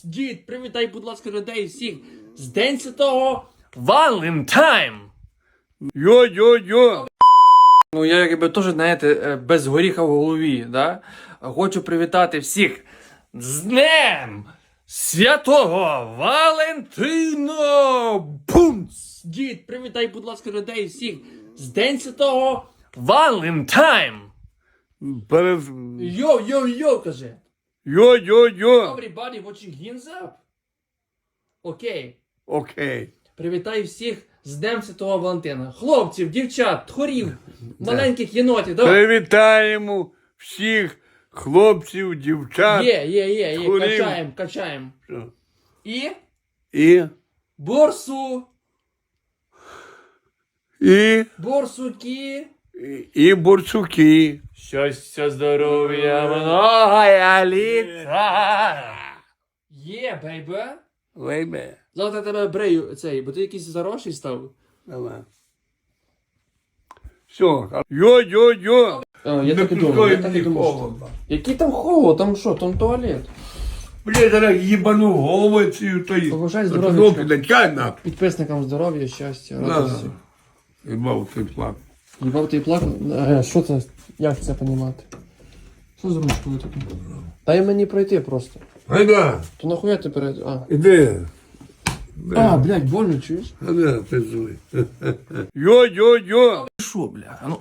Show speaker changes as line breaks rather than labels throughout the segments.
Дід, привітай, будь ласка, людей всіх з День Святого Валентайн!
Йо-йо-йо!
Ну, я якби теж, знаєте, без горіха в голові, да? Хочу привітати всіх з Днем Святого Валентина! Бумц! Дід, привітай, будь ласка, людей всіх з День Святого Валентайн! Йо-йо-йо, каже!
Йо-йо-йо!
Everybody watching hands up? Окей.
Окей.
Привітаю всіх з Днем Святого Валентина. Хлопців, дівчат, тхорів, маленьких єнотів. Давай.
Привітаємо всіх хлопців, дівчат.
Є.
тхорів.
Качаємо.
Що?
І
І
борсу, борсуки.
І борсуки.
Щастя, здоров'я, многая літа. Є, бейбе.
Лейбе.
Завтра я тебе брею цей, бо ти якийсь заросший став.
Давай. Все. Йо-йо-йо!
Я так і думав. Який там холод, там що, там туалет.
Блядь, зараз їбану голову цю то й.
Побажай здоров'ячка.
Підачай на.
Підписникам здоров'я, щастя,
На.
радості.
Їбав цей плак.
Їбав ти і плакав? Що це? Як це понімати? Що з ручкою таке? Дай мені пройти просто.
Гайда,
То нахуя ти перед...
іди.
Блядь, больно, чуєш?
Гайда, пиздуй. Йо-йо-йо!
Що, бля? Ну...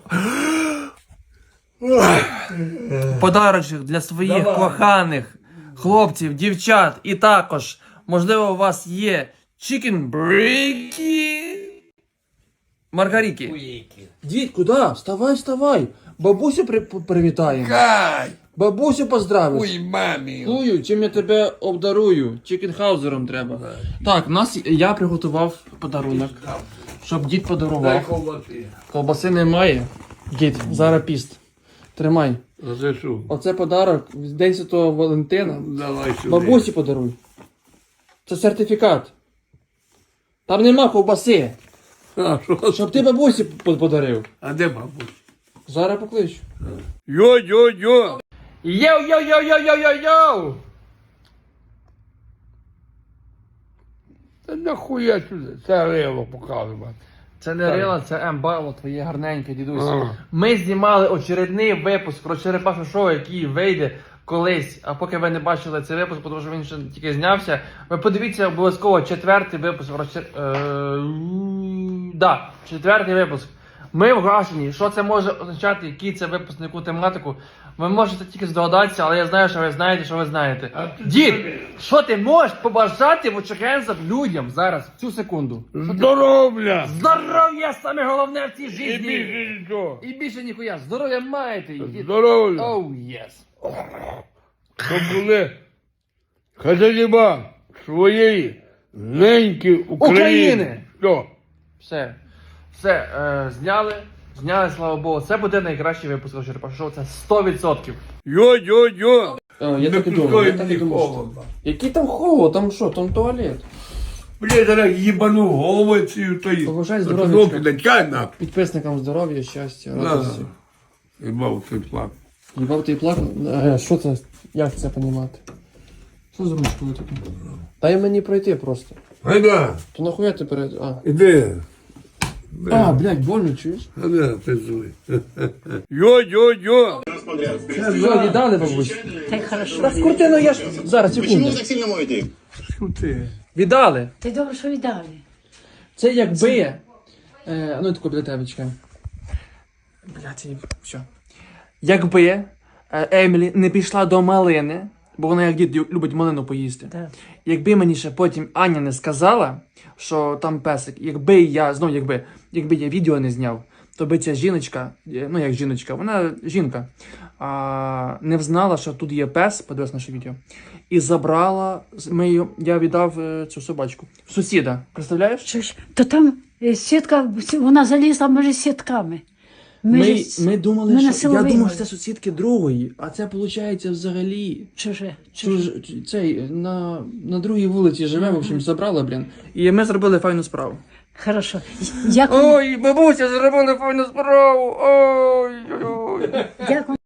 Подарочок для своїх коханих хлопців, дівчат і також, можливо, у вас є чікенбрейки. Маргаріки. Дід, куди? Вставай. Бабусю привітаємо.
Кай!
Бабусю поздравиш.
Ой, мамі!
Чую, чим я тебе обдарую. Чікенхаузером треба. Так, я приготував подарунок, щоб дід
Дай
подарував.
ковбаси.
Колбаси немає. Дід, зараз піст. Тримай.
А це що?
Оце подарок в День Святого Валентина.
Давай сюди.
Бабусі подаруй. Це сертифікат. Там нема ковбаси.
А, що?
Щоб ти бабусі подарив.
А де бабусь?
Зараз покличу.
Йо-йо-йо!
Йоу!
Та нахуя сюди? Це рило показувати.
Це не Рила, це Ембало, твоє гарненьке, дідусь.
Ага.
Ми знімали очередний випуск про Черепашне шоу, який вийде колись. А поки ви не бачили цей випуск, тому що він ще тільки знявся, ви подивіться обов'язково четвертий випуск про четвертий випуск. Ми вражені, що це може означати, який це випуск, на яку тематику. Ви можете тільки здогадатися, але я знаю, що ви знаєте, що ви знаєте. Дід, що ти можеш побажати в очерензах людям зараз, в цю секунду?
Здоров'я!
Здоров'я саме головне в цій
І
житті!
більше нічого.
І більше ніхуя, здоров'я маєте!
Здоров'я!
Оу, єс!
Щоб були хазяїва своєї неньки України. Що?
Все, зняли, слава Богу. Це буде найкращий випуск Черепашого шоу, це 100%.
Йо-йо-йо!
Я так і думав. Який там холод, там що, там туалет.
Блядь, зараз їбану голову цю то й.
Побажай здоров'ячка.
Підачай на.
Підписникам здоров'я, щастя,
На.
радості.
Їбав цей плак.
Їбав ти і плакав? Що це? Як це понімати? Що з ручкою таке? Дай мені пройти просто.
Гайда,
То нахуя ти перед...
іди.
Блядь, больно, чуєш?
Гайда, пиздуй. Йо-йо-йо!
Все, віддали, бабусь?
Так хорошо.
Та скрути, я ж... Зараз,
Почему
секунду.
вы так сильно моете?
Шути.
Віддали.
Ти добре, що віддали.
Це якби... ну, тако біля тебе, чекай. Блядь, все. Якби Емілі не пішла до малини, бо вона як дід любить малину поїсти.
Так.
Якби мені ще потім Аня не сказала, що там песик, якби я відео не зняв, то би ця жіночка, ну як жіночка, вона жінка, не взнала, що тут є пес, подивилась наше відео, і забрала, я віддав цю собачку, сусіда, представляєш?
Що ж, то там сітка, вона залізла між сітками.
Ми думали,
ми на
що
село
я думав,
вигнали.
що це сусідки другої, а це виходить взагалі.
Чуже.
Цей на другій вулиці живе, в общем, забрала, блін. І ми зробили файну справу.
Хорошо. Як,
Ой, бабуся, зробили файну справу. Ой.
як